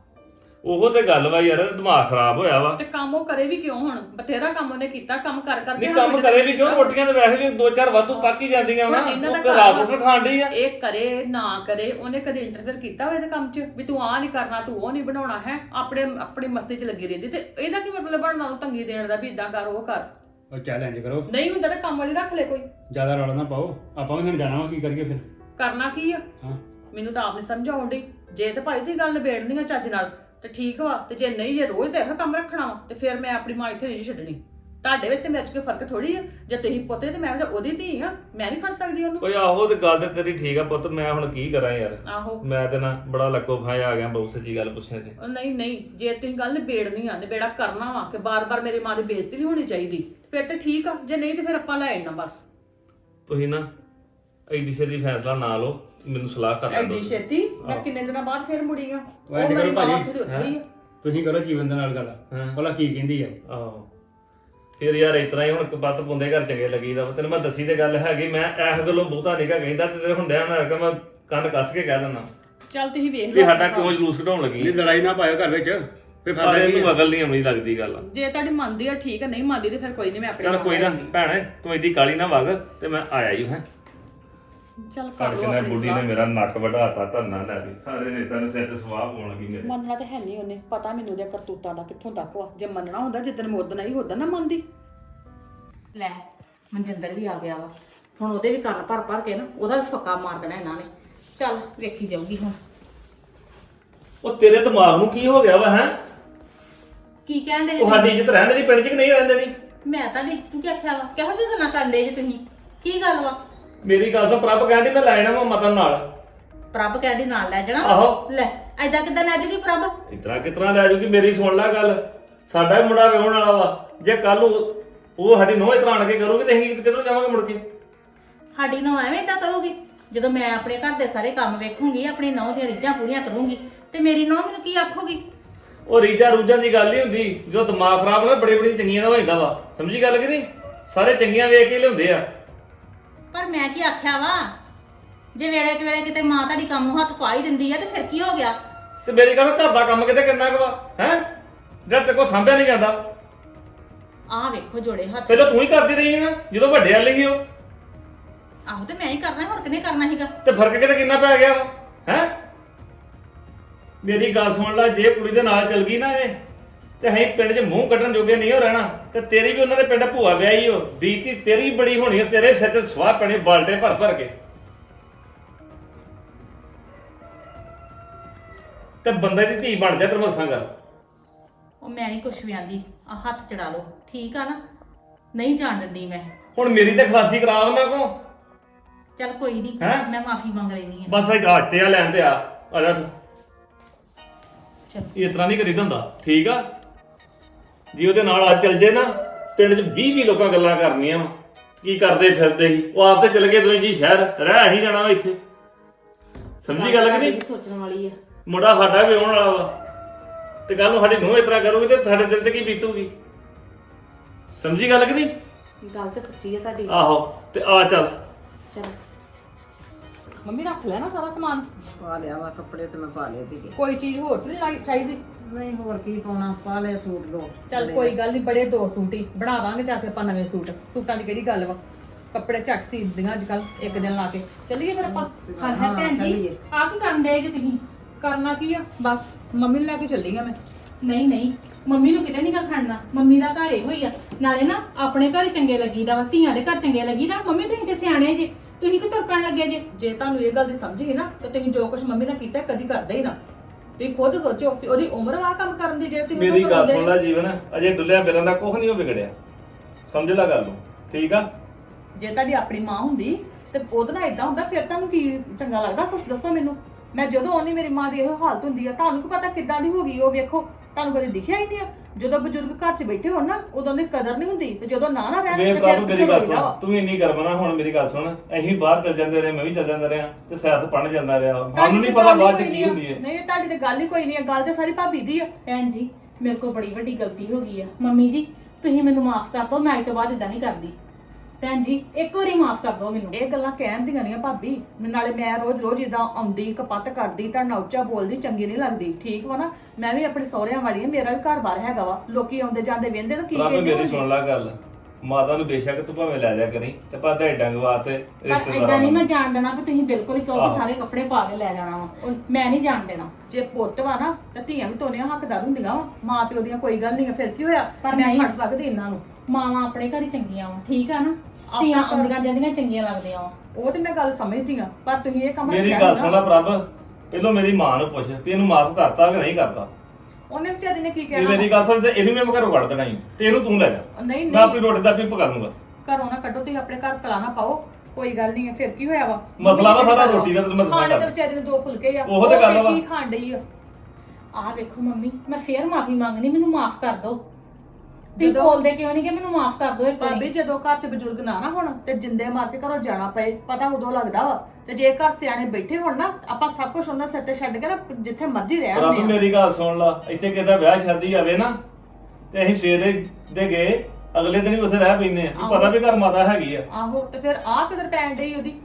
S3: ਉਹੋ ਤੇ ਗੱਲ ਵਾ ਯਾਰ, ਦਿਮਾਗ ਖਰਾਬ ਹੋਇਆ ਵਾ।
S1: ਤੇ ਕੰਮ ਉਹ ਕਰੇ ਵੀ ਕਿਉਂ? ਹੁਣ ਬਥੇਰਾ ਕੰਮ ਉਹਨੇ ਕੀਤਾ, ਕੰਮ ਕਰ
S3: ਨਹੀਂ ਕੰਮ ਕਰੇ ਵੀ ਕਿਉਂ? ਰੋਟੀਆਂ ਤੇ ਵੈਸੇ ਵੀ 2-4 ਵਾਧੂ ਪੱਕ ਹੀ ਜਾਂਦੀਆਂ ਵਾ। ਉਹ ਰਾਤ ਉੱਠ ਖਾਣ ਡਈ ਆ।
S1: ਇਹ ਕਰੇ ਨਾ ਕਰੇ, ਉਹਨੇ ਕਦੇ ਇੰਟਰਫੇਅਰ ਕੀਤਾ ਹੋਇਆ ਇਹਦੇ ਕੰਮ 'ਚ ਵੀ ਤੂੰ ਆਹ ਨਹੀਂ ਕਰਨਾ, ਤੂੰ ਉਹ ਨਹੀਂ ਬਣਾਉਣਾ ਹੈ? ਆਪਣੀ ਮਸਤੀ 'ਚ ਲੱਗੀ ਰਹਿੰਦੀ। ਤੇ ਇਹਦਾ ਕੀ ਮਤਲਬ ਬਣਨਾ ਨੂੰ ਤੰਗੀ ਦੇਣ ਦਾ ਵੀ ਇਦਾਂ ਕਰ ਉਹ ਕਰ?
S2: ਉਹ ਚੱਲ ਇੰਜ ਕਰੋ,
S1: ਨਹੀਂ ਹੁੰਦਾ ਤਾਂ ਕੰਮ ਵਾਲੀ ਰੱਖ ਲੈ ਕੋਈ।
S2: ਜ਼ਿਆਦਾ ਰੌਲਾ ਨਾ ਪਾਓ, ਆਪਾਂ ਵੀ ਹੁਣ ਜਾਣਾ ਵਾ, ਕੀ ਕਰੀਏ ਫਿਰ?
S1: ਕਰਨਾ ਕੀ ਆ?
S2: ਹਾਂ
S1: ਮੈਨੂੰ ਤਾਂ ਆਪ ਨਹੀਂ ਸਮਝ ਆਉਣ ਡਈ। ਜੇ ਤੇ ਭਾਈ ਦੀ ਗੱਲ ਨਿਬੇੜਨੀ ਆ ਚੱਜ ਨਾਲ ਤੇ ਠੀਕ ਵਾ, ਤੇ ਜੇ ਨਹੀਂ, ਜੇ ਰੋਜ਼ ਦਾ ਇਹੋ ਕੰਮ ਰੱਖਣਾ ਵਾ ਤੇ ਫਿਰ ਮੈਂ ਆਪਣੀ ਮਾਂ ਇੱਥੇ ਨਹੀਂ ਛੱਡਣੀ। ਤੁਹਾਡੇ ਵਿੱਚ ਤੇ ਮੇਰੇ 'ਚ ਕੋਈ ਫਰਕ ਥੋੜੀ ਆ, ਜੇ ਤੁਸੀਂ ਪੁੱਤੇ ਤੇ ਮੈਂ ਤਾਂ ਉਹਦੀ ਧੀ ਆ, ਮੈਂ ਨਹੀਂ ਖੜ ਸਕਦੀ ਉਹਨੂੰ।
S3: ਓਏ ਆਹੋ ਤੇ ਗੱਲ ਤੇ ਤੇਰੀ ਠੀਕ ਆ ਪੁੱਤ, ਮੈਂ ਹੁਣ ਕੀ ਕਰਾਂ ਯਾਰ।
S1: ਆਹੋ
S3: ਮੈਂ ਤੇ ਨਾ ਬੜਾ ਲੱਕੋ ਖਾਇਆ ਆ ਗਿਆ, ਬਹੁਤ ਸੱਚੀ ਗੱਲ ਪੁੱਛਿਆ ਤੇ।
S1: ਉਹ ਨਹੀਂ ਜੇ ਤੁਸੀਂ ਗੱਲ ਨਿਬੇੜਨੀ ਆ, ਨਿਬੇੜਾ ਕਰਨਾ ਵਾ ਕਿ ਬਾਰ-ਬਾਰ ਮੇਰੀ ਮਾਂ ਦੀ ਬੇਇੱਜ਼ਤੀ ਨਹੀਂ ਹੋਣੀ ਚਾਹੀਦੀ, ਫਿਰ ਤੇ ਠੀਕ ਆ, ਜੇ ਨਹੀਂ ਤੇ ਫਿਰ ਆਪਾਂ ਲੈ ਆਣਾ ਬਸ।
S3: ਤੁਸੀਂ ਨਾ ਐਡੀ ਛੇਤੀ ਫੈਸਲਾ ਨਾ ਲਓ, ਮੈਨੂੰ ਸਲਾਹ ਕਰ
S1: ਐਡੀ
S3: ਦਿਓ।
S1: ਛੇਤੀ ਮੈਂ ਕਿੰਨੇ ਦਿਨਾਂ ਬਾਅਦ ਫਿਰ ਮੁੜੀ ਆ,
S2: ਉਹ ਇੰਝ
S1: ਉਹ ਮੇਰੀ
S2: ਕਰੋ
S1: ਮਾਂ
S2: ਭਾਜੀ,
S1: ਉੱਥੇ ਦੀ ਉੱਥੇ ਹੀ ਆ।
S2: ਤੁਸੀਂ ਕਰੋ ਜੀਵਨ ਦੇ ਨਾਲ ਗੱਲ,
S3: ਹਾਂ।
S2: ਭਲਾ ਕੀ ਕਹਿੰਦੀ ਆ।
S3: ਆਹੋ ਫਿਰ ਯਾਰ ਇਸ ਤਰ੍ਹਾਂ ਹੀ ਹੁਣ ਬੱਤ ਪੁੰਦੇ ਘਰ ਚੰਗੇ ਲੱਗੀਦਾ ਵਾ। ਤੈਨੂੰ ਮੈਂ ਦੱਸੀ ਤੇ ਗੱਲ ਹੈਗੀ, ਮੈਂ ਇਸ ਗੱਲੋਂ ਬਹੁਤਾ ਨਿਕਾ ਕਹਿੰਦਾ ਤੇ ਤੇਰੇ ਹੁੰਦਿਆਂ ਨਾ ਕਿ ਮੈਂ ਕੰਨ ਕੱਸ ਕੇ ਕਹਿ ਦਿੰਦਾ
S1: ਚੱਲ ਤੁਸੀਂ ਵੇਖ
S3: ਵੀ
S1: ਲਓ
S3: ਸਾਡਾ ਕਿਉਂ ਜਲੂਸ ਕਢਾਉਣ ਲੱਗੀ
S2: ਇਹ ਲੜਾਈ ਨਾ ਪਾਇਓ ਘਰ ਵਿੱਚ, ਫੇਰ
S3: ਪਰ
S2: ਫਾਇਦਾ ਕੀ
S3: ਇਹਨੂੰ
S2: ਆ?
S3: ਅਕਲ ਨਹੀਂ ਆਉਣੀ ਲੱਗਦੀ ਗੱਲ।
S1: ਜੇ ਤੁਹਾਡੀ ਮੰਨਦੀ ਆ ਠੀਕ ਆ, ਨਹੀਂ ਮੰਨਦੀ ਤੇ ਫਿਰ ਕੋਈ ਨਹੀਂ, ਮੈਂ ਆਪਣੇ
S3: ਚੱਲ
S1: ਨਾਲ
S3: ਕੋਈ ਨਾ
S1: ਆਊਂਗੀ।
S3: ਭੈਣੇ, ਤੂੰ ਏਡੀ ਕਾਲੀ ਨਾ ਵਗ ਤੇ ਮੈਂ ਆਇਆ ਹੀ ਹੈ।
S1: ਚੱਲ ਕਰ
S3: ਘਰ
S1: ਲਓ
S3: ਕਿਨੇ
S1: ਆਪਣੀ
S3: ਬੁੱਢੀ ਨੇ
S1: ਸਲਾਹ।
S3: ਮੇਰਾ ਨੱਕ ਵਢਾਤਾ, ਧਰਨਾ ਲੈ ਵੀ ਸਾਰੇ ਰਿਸ਼ਤਿਆਂ ਦੇ ਸਿਰ ਤੇ ਸਵਾਹ ਪਾਉਣ ਲੱਗੀ ਮੇਰੇ।
S1: ਮੰਨਣਾ ਤਾਂ ਹੈ ਨਹੀਂ ਉਹਨੇ, ਪਤਾ ਮੈਨੂੰ ਉਹਦੇ ਕਰਤੂਤਾਂ ਦਾ ਕਿੱਥੋਂ ਤੱਕ ਵਾ। ਜੇ ਮੰਨਣਾ ਹੁੰਦਾ ਜਿੱਦਣ ਮੋਦਨ ਆਈ ਉਦੋਂ ਨਾ ਮੰਨਦੀ। ਲੈ ਮਨਜਿੰਦਰ ਵੀ ਆ ਗਿਆ ਵਾ, ਹੁਣ ਉਹਦੇ ਵੀ ਕੰਨ ਭਰ ਭਰ ਕੇ ਨਾ ਉਹਦਾ ਵੀ ਫੱਕਾ ਮਾਰ ਦੇਣਾ ਇਹਨਾਂ ਨੇ। ਚੱਲ ਵੇਖੀ ਜਾਊਗੀ ਹੁਣ।
S3: ਉਹ ਤੇਰੇ ਦਿਮਾਗ ਨੂੰ ਕੀ ਹੋ ਗਿਆ ਵਾ ਹੈ?
S4: ਕੀ ਕਹਿੰਦੇ
S3: ਉਹ ਸਾਡੀ ਇੱਜ਼ਤ ਰਹਿਣ ਦੇਣੀ ਪਿੰਡ 'ਚ ਕਿ ਨਹੀਂ ਰਹਿਣ ਦੇਣੀ?
S4: ਮੈਂ ਤੁਹਾਡੀ ਤੂੰ ਕੀ ਆਖਿਆ ਵਾ? ਕਿਹੋ ਜਿਹੀ ਗੱਲਾਂ ਕਰਨ ਦੇ ਜੇ ਤੁਸੀਂ? ਕੀ ਗੱਲ ਵਾ?
S3: ਮੇਰੀ ਗੱਲ ਸੁਣ, ਪ੍ਰਭ ਕਹਿੰਦੀ ਮੈਂ ਲੈ ਜਾਣਾ ਵਾ ਮਤਨ ਨਾਲ।
S4: ਪ੍ਰਭ ਕਹਿੰਦੀ ਨਾਲ ਲੈ ਜਾਣਾ?
S3: ਆਹੋ।
S4: ਲੈ ਐਦਾਂ ਕਿੱਦਾਂ ਲੈ ਜੂਗੀ ਪ੍ਰਭ?
S3: ਇਤਨਾ ਕਿਤਨਾ ਲੈ ਜੂਗੀ? ਮੇਰੀ ਸੁਣ ਲੈ ਗੱਲ, ਸਾਡਾ ਵੀ ਮੁੰਡਾ ਵਿਆਹੁਣ ਵਾਲਾ ਵਾ। ਜੇ ਕੱਲ ਨੂੰ ਉਹ ਸਾਡੀ ਨੋਹ ਇਤਨਾ ਆਣ ਕੇ ਕਰੂਗੀ ਤੇ ਅਸੀਂ ਕਿੱਧਰੋਂ ਜਾਵਾਂਗੇ ਮੁੜ ਕੇ?
S4: ਸਾਡੀ ਨੌਂ ਐਵੇਂ ਇਦਾਂ ਕਰੂਗੀ? ਜਦੋਂ ਮੈਂ ਆਪਣੇ ਘਰ ਦੇ ਸਾਰੇ ਕੰਮ ਵੇਖੂੰਗੀ, ਆਪਣੀ ਨੌਂ ਦੀਆਂ ਰੀਝਾਂ ਪੂਰੀਆਂ ਕਰੂੰਗੀ, ਤੇ ਮੇਰੀ ਨੌਂ ਮੈਨੂੰ ਕੀ ਆਖੂਗੀ?
S3: ਉਹ ਰੀਜਾ ਰੂਜਾਂ ਦੀ ਗੱਲ ਨਹੀਂ ਹੁੰਦੀ, ਜਦੋਂ ਦਿਮਾਗ ਖਰਾਬ ਹੋਣਾ ਬੜੇ ਬੜੀ ਚੰਗੀਆਂ ਦਾ ਹੋ ਜਾਂਦਾ ਵਾ। ਸਮਝੀ ਗੱਲ ਕਿ ਨਹੀਂ? ਸਾਰੇ ਚੰਗੀਆਂ ਵੇਖ ਕੇ ਲਿਆਉਂਦੇ ਆ।
S4: ਪਰ ਮੈਂ ਕੀ ਆਖਿਆ ਵਾ? ਜੇ ਵੇਲੇ ਕਿ ਵੇਲੇ ਕਿਤੇ ਮਾਂ ਤੁਹਾਡੀ ਕੰਮ ਨੂੰ ਹੱਥ ਪਾ ਹੀ ਦਿੰਦੀ ਆ ਤੇ ਫਿਰ ਕੀ ਹੋ ਗਿਆ?
S3: ਤੇ ਮੇਰੀ ਗੱਲ, ਘਰ ਦਾ ਕੰਮ ਕਿਤੇ ਕਿੰਨਾ ਕੁ ਵਾ ਹੈ ਜਦ ਤੱਕ ਉਹ ਸਾਂਭਿਆ ਨਹੀਂ ਜਾਂਦਾ?
S4: ਆਹ ਵੇਖੋ ਜੋੜੇ ਹੱਥ।
S3: ਪਹਿਲਾਂ ਤੂੰ ਹੀ ਕਰਦੀ ਰਹੀ ਨਾ ਜਦੋਂ ਵੱਡੇ ਵਾਲੇ ਸੀ ਉਹ।
S4: ਆਹੋ ਤੇ ਮੈਂ ਹੀ ਕਰਨਾ, ਹੋਰ ਕਿਹਨੇ ਕਰਨਾ ਸੀਗਾ?
S3: ਤੇ ਫਰਕ ਕਿਤੇ ਕਿੰਨਾ ਪੈ ਗਿਆ ਵਾ ਹੈ? ਮੇਰੀ ਗੱਲ ਸੁਣ ਲੈ, ਜੇ ਕੁੜੀ ਦੇ ਨਾਲ ਚਲ ਗਈ ਨਾ ਇਹ, ਤੇ ਅਸੀਂ ਪਿੰਡ 'ਚ ਮੂੰਹ ਕੱਢਣ ਜੋਗੇ ਨਹੀਂ ਹੋ ਰਹਿਣਾ। ਤੇ ਤੇਰੀ ਵੀ ਉਹਨਾਂ ਦੇ ਪਿੰਡ ਭੂਆ ਵਿਆਹੀ ਹੋ, ਬੀਤੀ ਤੇਰੀ ਬੜੀ ਹੋਣੀ ਹੈ, ਤੇਰੇ ਸਿਰ ਤੇ ਸਵਾਹ ਪੈਣੇ ਬਾਲਟੇ ਭਰ ਭਰ ਕੇ। ਤੇ ਬੰਦੇ ਦੀ ਧੀ ਬਣ ਜਾ, ਤੈਨੂੰ ਦੱਸਾਂ ਗੱਲ।
S4: ਉਹ ਮੈਂ ਨਹੀਂ ਕੁਛ ਵੀ ਆਂਦੀ, ਆ ਹੱਥ ਚੜਾ ਲਓ, ਠੀਕ ਆ ਨਾ? ਨਹੀਂ ਜਾਣ ਦਿੰਦੀ ਮੈਂ।
S3: ਹੁਣ ਮੇਰੀ ਤੇ ਖਲਾਸੀ ਕਰਾ ਉਹਨਾਂ ਕੋ।
S4: ਚੱਲ ਕੋਈ ਨਹੀਂ,
S3: ਹੈਂ?
S4: ਮੈਂ ਮਾਫੀ ਮੰਗ ਲੈਣੀ ਆ।
S3: ਬਸ ਇਹ ਆਟੇ ਆ ਲੈਣ ਤੇ ਆ ਜਾ ਤੂੰ।
S4: ਚਲ
S3: ਇਸ ਤਰ੍ਹਾਂ ਨਹੀਂ ਕਰੀਦਾ ਹੁੰਦਾ, ਠੀਕ ਆ? ਜੇ ਉਹਦੇ ਨਾਲ ਆ ਚੱਲ ਜੇ ਨਾ, ਪਿੰਡ 'ਚ 20 ਲੋਕਾਂ ਗੱਲਾਂ ਕਰਨੀਆਂ ਵਾ, ਕੀ ਕਰਦੇ ਫਿਰਦੇ ਸੀ। ਉਹ ਆਪ ਤੇ ਚਲ ਗਏ ਦੋਵੇਂ ਜੀ ਸ਼ਹਿਰ, ਰਹਿ ਹੀ ਜਾਣਾ ਵਾ ਇੱਥੇ। ਸਮਝੀ ਗੱਲ ਕਿ ਨਹੀਂ?
S4: ਸੋਚਣ ਵਾਲੀ ਆ।
S3: ਮੁੰਡਾ ਸਾਡਾ ਵੀ ਆਉਣ ਵਾਲਾ ਵਾ, ਤੇ ਕੱਲ ਨੂੰ ਸਾਡੀ ਨੂੰਹ ਇਸ ਤਰ੍ਹਾਂ ਕਰੂਗੀ ਤੇ ਸਾਡੇ ਦਿਲ ਤੇ ਕੀ ਬੀਤੂਗੀ? ਸਮਝੀ ਗੱਲ ਕਿ ਨਹੀਂ?
S4: ਗੱਲ ਤਾਂ ਸੱਚੀ ਆ ਤੁਹਾਡੀ।
S3: ਆਹੋ ਤੇ ਆ ਚੱਲ।
S4: ਚਲ
S1: ਮੰਮੀ ਰੱਖ ਲੈ ਨਾ ਸਾਰਾ ਸਮਾਨ,
S5: ਪਾ ਲਿਆ ਵਾ ਕੱਪੜੇ ਤੇ ਮੈਂ ਪਾ ਲਏ ਸੀਗੇ।
S1: ਕੋਈ ਚੀਜ਼ ਹੋਰ ਤੇ ਨਹੀਂ ਚਾਹੀਦੀ?
S5: ਨਹੀਂ ਹੋਰ ਕੀ ਪਾਉਣਾ, ਪਾ ਲਿਆ ਸੂਟ ਦੋ।
S1: ਚੱਲ ਕੋਈ ਗੱਲ ਨਹੀਂ, ਬੜੇ 2 ਸੂਟ ਹੀ ਬਣਾ ਦਾਂਗੇ ਜਾ ਕੇ ਆਪਾਂ ਨਵੇਂ ਸੂਟ। ਸੂਟਾਂ ਦੀ ਕਿਹੜੀ ਗੱਲ ਵਾ, ਕੱਪੜੇ ਝੱਟ ਸੀ ਦਿੰਦੀਆਂ ਅੱਜ ਕੱਲ, ਇੱਕ ਦਿਨ ਲਾ ਕੇ। ਚੱਲੀਏ ਫਿਰ ਆਪਾਂ।
S4: ਹਾਂ ਹੈ ਭੈਣ ਜੀ,
S5: ਚੱਲੀਏ।
S4: ਆ ਕੀ ਕਰਨ ਦੇ ਜੇ ਤੁਸੀਂ?
S1: ਕਰਨਾ ਕੀ ਆ, ਬਸ ਮੰਮੀ ਨੂੰ ਲੈ ਕੇ ਚੱਲੀ ਆ ਮੈਂ।
S4: ਨਹੀਂ ਨਹੀਂ, ਮੰਮੀ ਨੂੰ ਕਿਤੇ ਨਹੀਂ ਗਾ ਖੜਨਾ, ਮੰਮੀ ਦਾ ਘਰ ਇਹੋ ਹੀ ਆ। ਨਾਲੇ ਨਾ ਆਪਣੇ ਘਰ ਹੀ ਚੰਗੇ ਲੱਗੀਦਾ ਵਾ, ਧੀਆਂ ਦੇ ਘਰ ਚੰਗੇ ਲੱਗੀਦਾ। ਮੰਮੀ ਤੁਸੀਂ ਤੇ ਸਿਆਣੇ ਜੇ, ਤੁਸੀਂ ਕਿ ਤੁਰ ਪੈਣ ਲੱਗੇ ਜੇ?
S1: ਜੇ ਤੁਹਾਨੂੰ ਇਹ ਗੱਲ ਦੀ ਸਮਝ ਗਈ ਨਾ, ਤੇ ਤੁਸੀਂ ਜੋ ਕੁਝ ਮੰਮੀ ਨੇ ਕੀਤਾ ਕਦੀ ਕਰਦੇ ਹੀ ਨਾ। ਤੁਸੀਂ ਖੁਦ ਸੋਚੋ ਕਿ ਉਹਦੀ ਉਮਰ ਵਾ ਕੰਮ ਕਰਨ ਦੀ, ਜੇ ਤੁਸੀਂ
S3: ਮੇਰੀ
S1: ਉਹਨੂੰ
S3: ਗੱਲ
S1: ਕਰਾਉਂਦੇ
S3: ਸੁਣ ਲੈ ਜੀਵਨ, ਅਜੇ ਡੁੱਲਿਆ ਬਿਰਾਂ ਦਾ ਕੁਝ ਨਹੀਂ ਹੋ ਵਿਗੜਿਆ। ਸਮਝ ਲੈ ਗੱਲ ਨੂੰ, ਠੀਕ ਆ?
S1: ਜੇ ਤੁਹਾਡੀ ਆਪਣੀ ਮਾਂ ਹੁੰਦੀ ਤੇ ਉਹਦੇ ਨਾਲ ਇਦਾਂ ਹੁੰਦਾ, ਫਿਰ ਤੁਹਾਨੂੰ ਕੀ ਚੰਗਾ ਲੱਗਦਾ? ਕੁਝ ਦੱਸੋ ਮੈਨੂੰ। ਮੈਂ ਜਦੋਂ ਆਉਣੀ ਮੇਰੀ ਮਾਂ ਦੀ ਇਹੋ ਹਾਲਤ ਹੁੰਦੀ ਆ, ਤੁਹਾਨੂੰ ਕੀ ਪਤਾ ਕਿੱਦਾਂ ਦੀ ਹੋ ਗਈ ਉਹ। ਵੇਖੋ ਤੁਹਾਨੂੰ ਕਦੇ ਦਿਖਿਆ ਹੀ ਨਹੀਂ ਆ। ਜਦੋਂ ਬਜ਼ੁਰਗ ਘਰ 'ਚ ਬੈਠੇ ਹੋਣ ਨਾ, ਉਦੋਂ ਦੀ ਕਦਰ ਨਹੀਂ ਹੁੰਦੀ, ਤੇ ਜਦੋਂ ਨਾ ਰਹਿਣ
S3: ਵੇ
S1: ਤੇ
S3: ਬਾਬੂ
S1: ਫਿਰ
S3: ਮੇਰੀ
S1: ਪਿੱਛੇ
S3: ਗੱਲ
S1: ਰੋਈਦਾ
S3: ਸੁਣ,
S1: ਵਾ।
S3: ਤੂੰ ਇੰਨੀ ਗਰਮ ਨਾ ਹੁਣ। ਮੇਰੀ ਗੱਲ ਸੁਣ, ਅਸੀਂ ਬਾਹਰ ਚੱਲ ਜਾਂਦੇ ਰਹੇ, ਮੈਂ ਵੀ ਚੱਲ ਜਾਂਦਾ ਰਿਹਾ, ਤੇ ਸਿਆਸਤ ਪੜਨ ਜਾਂਦਾ ਰਿਹਾ। ਸਾਨੂੰ ਨਹੀਂ ਪਤਾ ਬਾਅਦ 'ਚ ਕੀ ਹੁੰਦੀ ਹੈ।
S1: ਨਹੀਂ ਤੁਹਾਡੀ ਤੇ ਗੱਲ ਹੀ ਕੋਈ ਨਹੀਂ ਹੈ, ਗੱਲ ਤੇ ਸਾਰੀ ਭਾਬੀ ਦੀ ਆ।
S4: ਭੈਣ ਜੀ, ਮੇਰੇ ਕੋਲ ਬੜੀ ਵੱਡੀ ਗਲਤੀ ਹੋ ਗਈ ਆ। ਮੰਮੀ ਜੀ ਤੁਸੀਂ ਮੈਨੂੰ ਮਾਫ ਕਰ ਦਿਓ, ਮੈਂ ਅੱਜ ਤੋਂ ਬਾਅਦ ਇਦਾਂ ਨਹੀਂ ਕਰਦੀ। ਭੈਣ ਜੀ ਇੱਕ ਵਾਰੀ ਮਾਫ ਕਰ ਦਿਓ ਮੈਨੂੰ।
S1: ਇਹ ਗੱਲਾਂ ਕਹਿਣ ਦੀਆਂ ਨਹੀਂ ਆ ਭਾਬੀ। ਨਾਲੇ ਮੈਂ ਰੋਜ਼ ਇਦਾਂ ਆਉਂਦੀ ਕਪੱਤ ਕਰਦੀ, ਤੁਹਾਡਾ ਉੱਚਾ ਬੋਲਦੀ ਚੰਗੀ ਨਹੀਂ ਲੱਗਦੀ, ਠੀਕ ਵਾ ਨਾ? ਮੈਂ ਵੀ ਆਪਣੇ ਸਹੁਰਿਆਂ ਵਾਲੀ ਆ, ਮੇਰਾ ਵੀ ਘਰ-ਬਾਰ ਹੈਗਾ ਵਾ। ਲੋਕੀ ਆਉਂਦੇ ਜਾਂਦੇ ਵੇਂਦੇ ਤਾਂ ਕੀ
S3: ਰੱਬ
S1: ਕਹਿੰਦੇ
S3: ਮੇਰੀ
S1: ਹੋਣਗੇ।
S3: ਸੁਣ ਲੈ ਗੱਲ, ਮਾਤਾ ਨੂੰ ਬੇਸ਼ੱਕ ਤੂੰ ਭਾਵੇਂ ਲੈ ਜਾ ਕਰੀ, ਤੇ ਪਰ ਤੇ ਡੰਗ ਵਾਸਤੇ
S4: ਪਰ ਇਦਾਂ
S3: ਰਿਸ਼ਤੇਦਾਰਾਂ
S4: ਨਹੀਂ ਮੈਂ
S3: ਨੂੰ।
S4: ਜਾਣ ਦੇਣਾ ਵੀ ਤੁਸੀਂ ਬਿਲਕੁਲ ਹੀ ਕਹੋ
S3: ਆਹੋ।
S4: ਕਿ ਸਾਰੇ ਕੱਪੜੇ ਪਾ ਕੇ ਲੈ ਜਾਣਾ ਵਾ। ਮੈਂ ਨਹੀਂ ਜਾਣ ਦੇਣਾ।
S1: ਜੇ ਪੁੱਤ ਵਾ ਨਾ ਤਾਂ ਧੀਆਂ ਵੀ ਤੋਨੀਆਂ ਹੱਕਦਾਰ ਹੁੰਦੀਆਂ ਵਾ। ਮਾਂ ਪਿਓ ਦੀਆਂ ਕੋਈ ਗੱਲ ਨਹੀਂ ਆ, ਫਿਰ ਕੀ ਹੋਇਆ?
S4: ਪਰ
S1: ਮੈਂ
S4: ਨਹੀਂ।
S1: ਫੜ ਸਕਦੀ ਇਹਨਾਂ ਨੂੰ।
S4: ਮਾਵਾਂ ਆਪਣੇ ਘਰ ਹੀ ਚੰਗੀਆਂ ਵਾ, ਠੀਕ ਆ ਨਾ?
S1: ਆਪਣੇ
S4: ਧੀਆਂ
S1: ਘਰ-
S4: ਆਉਂਦੀਆਂ ਜਾਂਦੀਆਂ ਚੰਗੀਆਂ ਲੱਗਦੀਆਂ ਵਾ।
S1: ਉਹ ਤੇ ਮੈਂ ਗੱਲ ਸਮਝਦੀ ਆ, ਪਰ ਤੁਸੀਂ ਇਹ ਕੰਮ
S3: ਮੇਰੀ
S1: ਰੱਖਿਆ
S3: ਗੱਲ
S1: ਨੀ
S3: ਸੁਣ
S1: ਨਾ।
S3: ਲੈ ਪ੍ਰਭ, ਪਹਿਲਾਂ ਮੇਰੀ ਮਾਂ ਨੂੰ ਪੁੱਛ ਵੀ ਇਹਨੂੰ ਮਾਫ ਕਰਤਾ ਕਿ ਨਹੀਂ ਕਰਤਾ।
S1: ਉਹਨੇ ਵਿਚਾਰੀ ਨੇ ਕੀ
S3: ਇਹ
S1: ਕਹਿਣਾ
S3: ਮੇਰੀ ਗੱਲ ਸੁਣ ਤੇ ਇਹਨੂੰ ਮੈਂ ਘਰੋਂ ਕੱਢ ਦੇਣਾ ਈ ਤੇ ਇਹਨੂੰ ਤੂੰ ਲੈ ਜਾ।
S1: ਨਹੀਂ
S3: ਮੈਂ
S1: ਨਹੀਂ
S3: ਆਪਣੀ ਰੋਟੀ ਦਾ ਵੀ ਪਕਾ ਲੂੰਗਾ।
S1: ਘਰੋਂ ਨਾ ਕੱਢੋ, ਤੁਸੀਂ ਆਪਣੇ ਘਰ ਕਲਾ ਨਾ ਪਾਓ, ਕੋਈ ਗੱਲ ਨਹੀਂ ਹੈ। ਫਿਰ ਕੀ ਹੋਇਆ ਵਾ?
S3: ਮਸਲਾ ਵਾ ਸਾਰਾ ਰੋਟੀ ਦਾ, ਤੈਨੂੰ ਮੈਂ
S1: ਖਾਣੇ
S3: ਦੱਸਾਂ
S1: ਤੇ ਵਿਚਾਰੀ ਨੂੰ 2 ਫੁਲਕੇ ਆ,
S3: ਉਹੋ ਤੇ ਗੱਲ
S1: ਫਿਰ
S3: ਵਾ।
S1: ਕੀ ਖਾਣ ਡਈ ਆ?
S4: ਆਹ ਵੇਖੋ ਮੰਮੀ, ਮੈਂ ਫੇਰ ਮਾਫੀ ਮੰਗਣੀ, ਮੈਨੂੰ ਮਾਫ ਕਰ ਦਿਓ। ਤੁਸੀਂ
S1: ਜਦੋਂ-
S4: ਬੋਲਦੇ ਕਿਉਂ ਨਹੀਂ ਕਿ ਮੈਨੂੰ ਮਾਫ ਕਰ ਦਿਓ ਇੱਕ
S1: ਭਾਬੀ
S4: ਵਾਰੀ।
S1: ਜਦੋਂ ਘਰ ਤੇ ਬਜ਼ੁਰਗ ਨਾ ਹੋਣ ਤੇ ਜਿੰਦੇ ਮਾਰ ਕੇ ਘਰੋਂ ਜਾਣਾ ਪਏ, ਪਤਾ ਉਦੋਂ ਲੱਗਦਾ ਵਾ। ਤੇ ਜੇ ਘਰ ਸਿਆਣੇ ਬੈਠੇ ਹੋਣ ਨਾ, ਆਪਾਂ ਸਭ ਕੁਝ ਉਹਨਾਂ ਸਿਰ ਤੇ ਛੱਡ ਕੇ ਨਾ ਜਿੱਥੇ ਮਰਜ਼ੀ ਰਹਿ
S3: ਰੱਬ
S1: ਆਉਂਦੇ ਆ।
S3: ਮੇਰੀ ਗੱਲ ਸੁਣ ਲਾ, ਇੱਥੇ ਕਿਦਾ ਵਿਆਹ ਸ਼ਾਦੀ ਆਵੇ ਨਾ ਤੇ ਅਸੀਂ ਸਵੇਰੇ ਦੇ ਗਏ, ਅਗਲੇ ਦਿਨ ਹੀ ਉੱਥੇ ਰਹਿ ਪੈਂਦੇ ਆ। ਪਤਾ ਵੀ ਘਰ ਮਾਤਾ ਹੈਗੀ ਆ,
S1: ਆਹੋ, ਤੇ ਫਿਰ ਆਹ ਕਿਧਰ ਪੈਣ ਡਈ ਉਹਦੀ?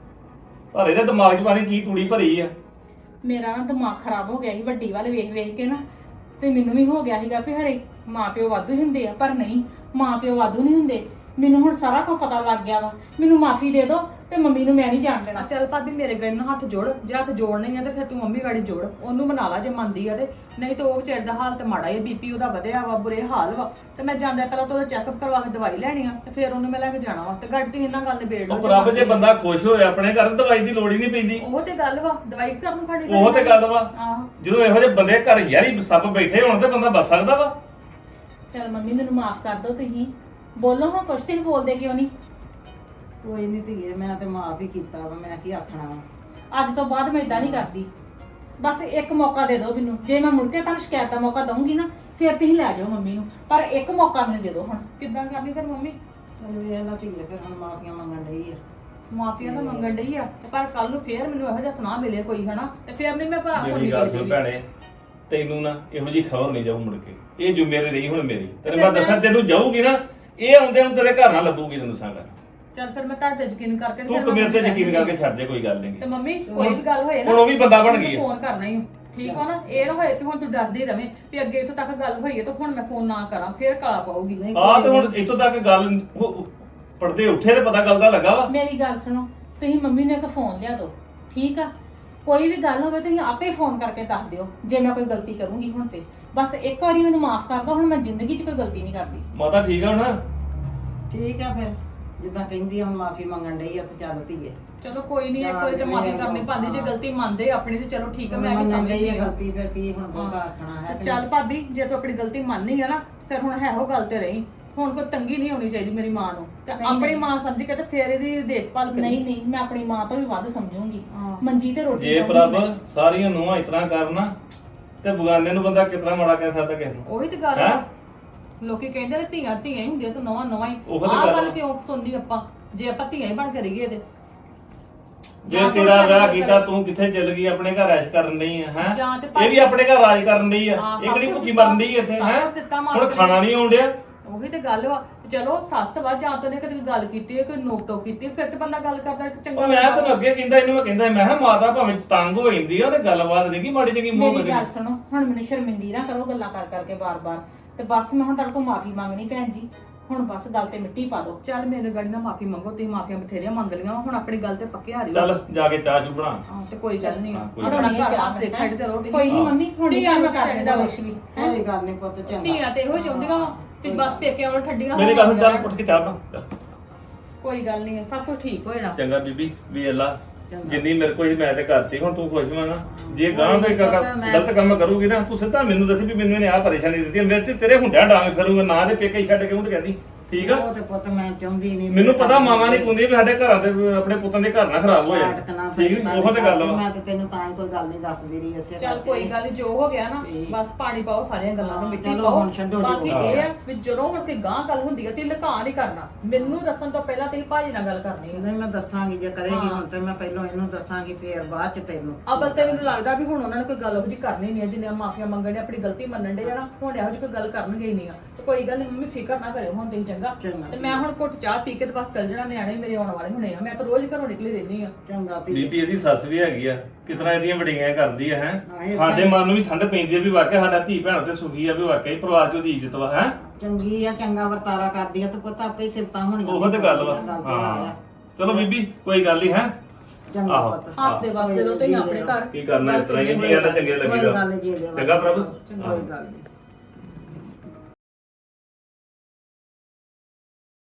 S3: ਪਰ ਇਹਦੇ ਦਿਮਾਗ 'ਚ ਪਾਣੀ ਕੀ ਤੂੜੀ ਭਰੀ ਆ।
S4: ਮੇਰਾ ਨਾ ਦਿਮਾਗ ਖਰਾਬ ਹੋ ਗਿਆ ਸੀ ਵੱਡੀ ਵੱਲ ਵੇਖ ਵੇਖ ਕੇ ਨਾ, ਤੇ ਮੈਨੂੰ ਵੀ ਹੋ ਗਿਆ ਸੀਗਾ ਵੀ ਹਰੇ ਮਾਪਿਓ ਵਾਧੂ ਹੀ ਹੁੰਦੇ ਆ, ਪਰ ਨਹੀਂ, ਮਾਪਿਓ ਵਾਧੂ ਨਹੀਂ ਹੁੰਦੇ। ਮੈਨੂੰ ਹੁਣ ਸਾਰਾ ਕੁਝ ਪਤਾ ਲੱਗ ਗਿਆ ਵਾ। ਮੈਨੂੰ ਮਾਫੀ ਦੇ ਦਿਓ ਤੇ ਮੰਮੀ ਨੂੰ ਮੈਂ ਨਹੀਂ ਜਾਣ ਦੇਣਾ।
S1: ਚੱਲ ਭਾਬੀ ਮੇਰੇ ਗਏ ਨੂੰ ਹੱਥ ਜੋੜ, ਜੇ ਹੱਥ ਜੋੜਨੇ ਆ ਤੇ ਫਿਰ ਤੂੰ ਮੰਮੀ ਗਾੜੀ ਜੋੜ, ਉਹਨੂੰ ਮਨਾ ਲਾ ਜੇ ਮੰਨਦੀ ਆ ਤੇ। ਨਹੀਂ ਤੇ ਉਹ ਵਿਚਾਰੇ ਦਾ ਹਾਲ ਤੇ ਮਾੜਾ ਹੀ, ਬੀਪੀ ਉਹਦਾ ਵਧਿਆ ਵਾ, ਬੁਰੇ ਹਾਲ ਵਾ। ਤੇ ਮੈਂ ਜਾਂਦਾ ਪਹਿਲਾਂ ਤਾਂ ਉਹਦਾ ਚੈੱਕਅਪ ਕਰਵਾ ਕੇ ਦਵਾਈ ਲੈਣੀ ਆ, ਤੇ ਫਿਰ ਉਹਨੂੰ ਮੈਂ ਲੈ ਕੇ ਜਾਣਾ ਵਾ। ਤੇ ਗੱਡੀ ਤੇ ਇਹਨਾਂ ਗੱਲ ਨਿਬੇੜ ਲਓ
S3: ਉਹ ਰੱਬ ਜੇ ਬੰਦਾ ਖੁਸ਼ ਹੋਏ ਆਪਣੇ ਘਰ, ਦਵਾਈ ਦੀ ਲੋੜ ਹੀ ਨਹੀਂ ਪੈਂਦੀ।
S1: ਉਹ ਤੇ ਗੱਲ ਵਾ, ਦਵਾਈ ਘਰ ਨੂੰ ਖਾਣੀ
S3: ਉਹ ਤੇ ਗੱਲ ਵਾ।
S1: ਆਹੋ,
S3: ਜਦੋਂ ਇਹੋ ਜਿਹੇ ਬੰਦੇ ਘਰ ਯਾਰੀ ਸੱਪ ਬੈਠੇ ਹੋਣ ਤੇ ਬੰਦਾ ਬਚ ਸਕਦਾ ਵਾ।
S4: ਚਲ ਮੰਮੀ ਮੈਨੂੰ ਮਾਫ ਕਰ ਦਿਓ ਤੁਸੀਂ। ਬੋਲੋ ਹਾਂ, ਕੁਛ ਤੁਸੀਂ ਬੋਲਦੇ ਕਿਉਂ ਨਹੀਂ?
S5: ਕੋਈ ਨਹੀਂ ਧੀਏ, ਮੈਂ ਤੇ ਮਾਫ ਹੀ ਕੀਤਾ ਵਾ, ਮੈਂ ਕੀ ਆਖਣਾ ਵਾ।
S4: ਅੱਜ ਤੋਂ ਬਾਅਦ ਮੈਂ ਇਦਾਂ ਨਹੀਂ ਕਰਦੀ। ਬਸ ਇੱਕ ਮੌਕਾ ਦੇ ਦਿਓ ਮੈਨੂੰ। ਜੇ ਮੈਂ ਮੁੜ ਕੇ ਤੁਹਾਨੂੰ ਸ਼ਿਕਾਇਤ ਦਾ ਮੌਕਾ ਦਊਂਗੀ ਨਾ, ਫਿਰ ਤੁਸੀਂ ਲੈ ਜਾਓ ਮੰਮੀ ਨੂੰ, ਪਰ ਇੱਕ ਮੌਕਾ ਮੈਨੂੰ ਦੇ ਦਿਓ ਹੁਣ।
S1: ਕਿੱਦਾਂ ਕਰਨੀ ਫਿਰ ਮੰਮੀ?
S5: ਚੱਲ ਵੇਖ ਲਾ ਧੀਏ, ਫਿਰ ਹੁਣ ਮਾਫੀਆਂ ਮੰਗਣ ਡਈ ਆ।
S1: ਮਾਫੀਆ ਤਾਂ ਮੰਗਣ ਡਈ ਆ, ਤੇ ਪਰ ਕੱਲ ਨੂੰ ਫੇਰ ਮੈਨੂੰ ਇਹੋ ਜਿਹਾ ਸੁਣਾ ਮਿਲੇ ਕੋਈ, ਹਨਾ, ਤੇ ਫੇਰ ਨਹੀਂ ਮੈਂ ਭਰਾ
S3: ਮੇਰੀ
S1: ਸੁਣਨੀ
S3: ਗੱਲ ਸੁਣ
S1: ਕੋਈ।
S3: ਭੈਣੇ, ਤੈਨੂੰ ਨਾ ਇਹੋ ਜਿਹੀ ਖਬਰ ਨਹੀਂ ਜਾਊ ਮੁੜ ਕੇ। ਇਹ ਜ਼ਿੰਮੇਵਾਰੀ ਰਹੀ ਹੁਣ ਮੇਰੀ। ਤੈਨੂੰ ਮੈਂ ਦੱਸਾਂ, ਤੈਨੂੰ ਜਾਊਗੀ ਨਾ, ਇਹ ਆਉਂਦੇ ਨੂੰ ਤੇਰੇ ਘਰ ਨਾਲ ਲੱਭੂਗੀ, ਤੈਨੂੰ ਦੱਸਾਂਗਾ।
S1: ਚੱਲ ਫਿਰ ਮੈਂ ਤੁਹਾਡੇ ਤੇ ਯਕੀਨ ਕਰਕੇ
S3: ਤੂੰ ਕਬੀਰ ਤੇ ਯਕੀਨ ਕਰਕੇ ਛੱਡ ਦੇ, ਕੋਈ ਗੱਲ
S1: ਤੇ
S3: ਨਹੀਂ।
S1: ਮੰਮੀ ਕੋਈ ਵੀ ਗੱਲ ਹੋਏ ਨਾ,
S3: ਹੁਣ ਉਹ ਵੀ ਬੰਦਾ ਬਣ ਗਈ ਆ।
S1: ਫੋਨ ਕਰਨਾ ਹੀ, ਠੀਕ ਆ ਨਾ? ਇਹ ਨਾ ਹੋਏ ਕਿ ਹੁਣ ਤੂੰ ਡਰਦੀ ਰਵੇਂ ਵੀ ਅੱਗੇ ਇੱਥੋਂ ਤੱਕ ਗੱਲ ਹੋਈ ਹੈ ਤਾਂ ਹੁਣ ਮੈਂ ਫੋਨ ਨਾ ਕਰਾਂ, ਫੇਰ ਕਾਲਾ ਪਾਉਗੀ।
S5: ਨਹੀਂ
S3: ਆਹ ਤੇ ਹੁਣ ਇੱਥੋਂ ਤੱਕ ਗੱਲ ਪੜਦੇ ਉੱਠੇ ਤੇ ਪਤਾ ਗੱਲ ਦਾ ਲੱਗਾ ਵਾ।
S4: ਮੇਰੀ ਗੱਲ ਸੁਣੋ, ਤੁਸੀਂ ਮੰਮੀ ਨੂੰ ਇੱਕ ਫੋਨ ਲਿਆ ਦਿਓ, ਠੀਕ ਆ? ਕੋਈ ਵੀ ਗੱਲ ਹੋਵੇ ਤੁਸੀਂ ਆਪੇ ਫੋਨ ਕਰਕੇ ਦੱਸ ਦਿਓ ਜੇ ਮੈਂ ਕੋਈ ਗਲਤੀ ਕਰੂੰਗੀ ਹੁਣ ਤੇ। ਬਸ ਇੱਕ ਵਾਰੀ ਮੈਨੂੰ ਮਾਫ ਕਰ ਦਿਓ, ਹੁਣ ਮੈਂ ਜ਼ਿੰਦਗੀ 'ਚ ਕੋਈ ਗਲਤੀ ਨਹੀਂ ਕਰਦੀ।
S3: ਮਾਤਾ ਠੀਕ ਆ ਹੁਣ?
S5: ਠੀਕ ਆ, ਫਿਰ ਜਿੱਦਾਂ ਕਹਿੰਦੀ ਆ, ਹੁਣ ਮਾਫੀ ਮੰਗਣ ਡਈ ਆ ਤੇ ਚੱਲ ਧੀਏ।
S1: ਚਲੋ ਕੋਈ ਨਹੀਂ, ਇੱਕ ਵਾਰੀ ਤੇ ਮਾਫੀ ਕਰਨੀ ਪੈਂਦੀ, ਜੇ ਗਲਤੀ ਮੰਨਦੇ ਆਪਣੀ ਤੇ ਚਲੋ ਠੀਕ ਆ, ਮੈਂ ਵੀ
S5: ਮੰਗਣ ਡਈ
S1: ਸਮਝਦੀ
S5: ਆ
S1: ਆ।
S5: ਗਲਤੀ, ਫਿਰ ਕੀ ਹੁਣ ਬਹੁਤਾ ਆਖਣਾ ਹੈ ਕਿ
S1: ਚੱਲ ਭਾਬੀ, ਜੇ ਤੂੰ ਆਪਣੀ ਗਲਤੀ ਮੰਨਨੀ ਆ ਨਾ, ਫਿਰ ਹੁਣ ਹੈ ਉਹ ਗੱਲ ਤੇ ਰਹੀ। ਹੁਣ ਕੋਈ ਤੰਗੀ ਨਹੀਂ ਹੋਣੀ ਚਾਹੀਦੀ ਮੇਰੀ ਮਾਂ ਨੂੰ, ਤੇ
S4: ਨਹੀਂ,
S1: ਆਪਣੀ
S4: ਨਹੀਂ।
S1: ਮਾਂ ਸਮਝ ਕੇ ਤੇ ਫੇਰ ਇਹਦੀ ਦੇਖਭਾਲ ਕਰੀ।
S4: ਨਹੀਂ ਨਹੀਂ, ਮੈਂ ਆਪਣੀ ਮਾਂ ਤੋਂ ਵੀ ਵੱਧ ਸਮਝੂੰਗੀ।
S1: ਹਾਂ।
S4: ਮੰਜੀ ਤੇ ਰੋਟੀ
S3: ਜੇ
S4: ਖਾਊਂਗੀ
S3: ਪ੍ਰਭ
S4: ਮੈਂ।
S3: ਸਾਰੀਆਂ ਨੂੰਹਾਂ ਇਤਨਾ ਕਰਨਾ ਤੇ ਬਗਾਨੇ ਨੂੰ ਬੰਦਾ ਕਿਤਨਾ ਮਾੜਾ ਕਹਿ ਸਕਦਾ ਕਿਸੇ ਨੂੰ?
S1: ਉਹੀ ਤੇ ਗੱਲ
S3: ਹੈਂ?
S1: ਆ। ਲੋਕੀ ਕਹਿੰਦੇ ਨੇ ਧੀਆਂ ਧੀਆਂ ਹੀ ਹੁੰਦੀਆਂ, ਤੂੰ ਨਵਾਂ ਹੀ।
S3: ਉਹੋ ਤੇ
S1: ਆਹ
S3: ਗੱਲ
S1: ਗੱਲ
S3: ਆ।
S1: ਕਿਉਂ ਸੁਣਨੀ ਆਪਾਂ, ਜੇ ਆਪਾਂ ਧੀਆਂ ਹੀ ਬਣ ਕੇ ਰਹੀਏ ਤੇ?
S3: ਜੇ
S1: ਜਾਂ
S3: ਤੇਰਾ
S1: ਕੋਈ
S3: ਵਿਆਹ
S1: ਚੱਲ
S3: ਕੀਤਾ, ਤੂੰ ਕਿੱਥੇ ਚੱਲ ਗਈ? ਆਪਣੇ ਘਰ ਐਸ਼ ਕਰਨ ਨਹੀਂ ਹੈ ਹੈ?
S1: ਜਾਂ ਤੇ
S3: ਇਹ ਵੀ ਆਪਣੇ ਘਰ ਰਾਜ ਕਰਨ ਨਹੀਂ ਆ।
S1: ਹਾਂ,
S3: ਇਹ
S1: ਸਭ
S3: ਕਿਹੜੀ
S1: ਕੁਛ
S3: ਭੁੱਖੀ
S1: ਦਿੱਤਾ,
S3: ਮਰਨ ਦੀ ਇੱਥੇ
S1: ਸਭ
S3: ਹੈ?
S1: ਕੁਛ ਦਿੱਤਾ ਮਾਰ
S3: ਹੁਣ
S1: ਕੇ।
S3: ਖਾਣਾ ਨਹੀਂ ਆਉਣ ਡਿਆ।
S1: ਉਹੀ ਤੇ ਗੱਲ ਵਾ। ਚਲੋ ਸੱਸ ਵਾ, ਜਾਂ ਤਾਂ ਨੇ ਕਦੇ ਕੋਈ ਗੱਲ ਕੀਤੀ ਹੈ, ਕੋਈ ਨੋਕ ਟੋਕ ਕੀਤੀ ਹੈ, ਫਿਰ ਤੇ ਬੰਦਾ ਗੱਲ ਕਰਦਾ ਚੰਗਾ
S3: ਉਹ ਮੈਂ
S1: ਲੱਗਦਾ
S3: ਤੈਨੂੰ ਅੱਗੇ ਕਹਿੰਦਾ, ਇਹਨੂੰ ਮੈਂ ਕਹਿੰਦਾ, ਮੈਂ ਕਿਹਾ ਮਾਤਾ ਭਾਵੇਂ ਤੰਗ ਹੋ ਜਾਂਦੀ ਆ ਤੇ ਗੱਲਬਾਤ ਨਹੀਂ ਕੀ ਮਾੜੀ ਚੰਗੀ ਮੂੰਹ
S4: ਮੇਰੀ ਗੱਲ
S3: ਕਰੀ।
S4: ਸੁਣੋ, ਹੁਣ ਮੈਨੂੰ ਸ਼ਰਮਿੰਦੀ ਨਾ ਕਰੋ ਗੱਲਾਂ ਕਰ ਕਰਕੇ ਬਾਰ-ਬਾਰ। ਤੇ ਬਸ ਮੈਂ ਹੁਣ ਤੁਹਾਡੇ ਕੋਲ ਮਾਫੀ ਮੰਗਣੀ ਭੈਣ ਜੀ। ਹੁਣ ਬਸ ਗੱਲ ਤੇ ਮਿੱਟੀ ਪਾ ਦਿਓ।
S1: ਚੱਲ ਮੇਰੇ ਗਾੜੀ ਨਾਲ ਮਾਫੀ ਮੰਗੋ, ਤੁਸੀਂ ਮਾਫੀਆਂ ਬਥੇਰੀਆਂ ਮੰਗ ਲਈਆਂ ਵਾ, ਹੁਣ ਆਪਣੀ ਗੱਲ ਤੇ ਪੱਕੇ ਹਾਰੀ
S3: ਚੱਲ ਜਾ ਕੇ ਚਾਹ ਚੂ ਬਣਾ।
S1: ਹਾਂ, ਤੇ ਕੋਈ ਗੱਲ ਨਹੀਂ
S3: ਹਾਂ, ਕੋਈ
S1: ਆਪਣਾ
S4: ਗੱਲ ਨੀ।
S1: ਘਰ ਵਾਸਤੇ ਖੜਦੇ ਰਹੋ ਤੁਸੀਂ।
S4: ਕੋਈ ਨਹੀਂ ਮੰਮੀ, ਹੁਣ
S1: ਧੀਆਂ
S4: ਨਹੀਂ
S1: ਨੂੰ
S4: ਮੈਂ ਕਰ
S1: ਚਾਹੀਦਾ
S4: ਦਿੰਦਾ
S1: ਵਾ।
S4: ਕੁਛ ਵੀ ਹੈਂ?
S5: ਕੋਈ ਗੱਲ ਨਹੀਂ ਪੁੱਤ, ਚੰਗਾ।
S1: ਧੀਆਂ ਤੇ ਇਹੋ ਹੀ ਚਾਹੁੰਦੀਆਂ ਵਾ ਕਿ ਬਸ ਪੇਕਿਆਂ ਵੱਲ ਠੱਡੀਆਂ
S3: ਮੇਰੀ ਗੱਲ
S1: ਹੋਵਾਂਗੀਆਂ।
S3: ਚੱਲ ਉੱਠ ਕੇ ਚਾਹ ਬਣਾ ਚੱਲ।
S1: ਕੋਈ ਗੱਲ ਨਹੀਂ, ਸਭ ਕੁਝ ਠੀਕ ਹੋ ਜਾਣਾ।
S3: ਚੰਗਾ ਬੀਬੀ, ਵੀ ਅੱਲਾ
S5: ਚੰਗਾ।
S3: ਜਿੰਨੀ ਮੇਰੇ ਕੋਲ ਮੈਂ ਤੇ ਕਰਤੀ, ਹੁਣ ਤੂੰ ਖੁਸ਼ ਹੋਣਾ ਨਾ। ਜੇ ਗਾਂ
S5: ਕੋਈ
S3: ਤੋਂ
S5: ਪਤਾ ਮੈਂ-
S3: ਗਲਤ ਕੰਮ ਕਰੂਗੀ ਨਾ, ਤੂੰ ਸਿੱਧਾ ਮੈਨੂੰ ਦੱਸ ਵੀ ਮੈਨੂੰ ਇਹਨੇ ਆਹ ਪਰੇਸ਼ਾਨੀ ਦਿੱਤੀ ਹੈ, ਮੇਰੇ ਤੇ ਤੇਰੇ ਹੁੰਦਿਆਂ ਡਾਂਗ ਕਰੂੰਗਾ ਨਾ, ਦੇ ਪੇਕੇ ਛੱਡ ਕੇ ਉਹ ਤੇ ਕਹਿੰਦੀ ਠੀਕ ਆ।
S5: ਉਹ ਤੇ ਪੁੱਤ ਮੈਂ ਚਾਹੁੰਦੀ ਨਹੀਂ।
S3: ਮੈਨੂੰ ਪਤਾ ਮਾਵਾਂ ਨਹੀਂ ਪੁੰਦੀ ਵੀ ਸਾਡੇ ਘਰਾਂ ਦੇ ਆਪਣੇ ਪੁੱਤਾਂ ਦੇ ਘਰ ਨਾ ਖਰਾਬ ਹੋ ਜਾਣ। ਠੀਕ ਨੀ? ਉਹ ਤੇ ਗੱਲ ਵਾ।
S5: ਮੈਂ ਤੇ ਤੈਨੂੰ ਤਾਂ ਹੀ ਕੋਈ ਗੱਲ ਨਹੀਂ ਦੱਸਦੀ ਰਹੀ ਇਸੇ
S1: ਚੱਲ ਕੋਈ ਗੱਲ ਨਹੀਂ, ਜੋ ਹੋ ਗਿਆ ਨਾ,
S5: ਠੀਕ।
S1: ਬਸ ਪਾਣੀ ਪਾਓ ਸਾਰੀਆਂ ਗੱਲਾਂ ਨੂੰ, ਮਿੱਟੀ
S5: ਚਲੋ
S1: ਪਾਓ।
S5: ਹੁਣ ਛੱਡੋ ਜੋ
S1: ਬਾਕੀ
S5: ਹੋ
S1: ਇਹ
S5: ਗਿਆ।
S1: ਆ ਵੀ ਜਦੋਂ ਹੁਣ ਤੇ ਗਾਂ ਗੱਲ ਹੁੰਦੀ ਹੈ ਤੇ ਲੁਕਾ ਨਹੀਂ ਕਰਨਾ। ਮੈਨੂੰ ਦੱਸਣ ਤੋਂ ਪਹਿਲਾਂ ਤੁਸੀਂ ਭਾਜੀ ਨਾਲ ਗੱਲ ਕਰਨੀ ਹੈ।
S5: ਨਹੀਂ ਮੈਂ ਦੱਸਾਂਗੀ, ਜੇ ਕਰੇਗੀ
S1: ਹਾਂ।
S5: ਹੁਣ ਤੇ ਮੈਂ ਪਹਿਲਾਂ ਇਹਨੂੰ ਦੱਸਾਂਗੀ, ਫੇਰ ਬਾਅਦ ਚ ਤੈਨੂੰ।
S1: ਅਬਲ ਤੇ ਮੈਨੂੰ ਲੱਗਦਾ ਵੀ ਹੁਣ ਉਹਨਾਂ ਨੇ ਕੋਈ ਗੱਲ ਉਹ ਜਿਹੀ ਕਰਨੀ ਨਹੀਂ ਹੈ, ਜਿੰਨੇ ਮਾਫੀਆਂ ਮੰਗਣ ਦੇ, ਆਪਣੀ ਗਲਤੀ ਮੰਨਣ ਦੇ ਜਾਣਾ, ਹੁਣ ਇਹੋ ਜਿਹੀ ਕੋਈ ਗੱਲ ਕਰਨਗੇ ਹੀ ਨਹੀਂ ਆ। ਤੇ ਕੋਈ ਗੱਲ ਨਹੀਂ ਮੰਮੀ, ਫਿਕਰ ਨਾ ਕਰਿਓ ਹੁਣ ਤੁਸੀਂ, ਚੰਗਾ?
S5: ਚੰਗਾ।
S1: ਤੇ ਮੈਂ ਹੁਣ ਘੁੱਟ ਚਾਹ ਪੀ ਕੇ ਤੇ ਬਸ ਚੱਲ ਜਾਣਾ, ਨਿਆਣੇ ਮੇਰੇ ਆਉਣ ਵਾਲੇ ਹੋਣੇ ਆ। ਮੈਂ ਤਾਂ ਰੋਜ਼ ਘਰੋਂ ਨਿਕਲੀ ਰਹਿੰਦੀ ਆ।
S5: ਚੰਗਾ ਧੀਏ।
S3: ਬੀਬੀ ਇਹਦੀ ਸੱਸ ਵੀ ਹੈਗੀ ਆ, ਕਿਤਨਾ ਇਹਦੀਆਂ ਵਡਿਆਈਆਂ ਕਰਦੀ ਆ ਹੈ।
S5: ਹਾਂ, ਇਹ ਤਾਂ-
S3: ਸਾਡੇ ਮਨ ਨੂੰ ਵੀ ਠੰਡ ਪੈਂਦੀ ਆ ਵੀ ਵਾਕਿਆ ਸਾਡਾ ਧੀ ਭੈਣ ਤੇ ਸੁਖੀ ਆ, ਵੀ ਵਾਕਿਆ ਹੀ ਪਰਿਵਾਰ ਚ ਉਹਦੀ ਇੱਜ਼ਤ ਵਾ ਹੈ।
S5: ਚੰਗੀ ਆ, ਚੰਗਾ ਵਰਤਾਰਾ ਕਰਦੀ ਆ ਤੇ ਪੁੱਤ ਆਪੇ ਹੀ ਸਿਫਤਾਂ ਹੋਣੀਆਂ।
S3: ਉਹ ਤੇ ਗੱਲ ਵਾ।
S5: ਗੱਲ ਤੇ
S3: ਹਾਂ
S5: ਆ।
S3: ਚਲੋ ਬੀਬੀ, ਕੋਈ ਗੱਲ ਨਹੀਂ ਹੈ।
S5: ਚੰਗਾ
S3: ਆਹੋ।
S5: ਪੁੱਤ।
S1: ਹੱਸਦੇ ਵਸਦੇ ਰਹੋ ਤੁਸੀਂ ਆਪਣੇ ਘਰ।
S3: ਕੀ ਕਰਨਾ, ਇਸ ਤਰ੍ਹਾਂ ਹੀ ਜੀਆਂ ਦਾ ਚੰਗੇ
S5: ਕੋਈ
S3: ਲੱਗੀਦਾ।
S5: ਗੱਲ ਨਹੀਂ ਜੀ ਦੇ
S3: ਚੰਗਾ ਪ੍ਰਭੂ।
S5: ਕੋਈ ਗੱਲ ਨਹੀਂ।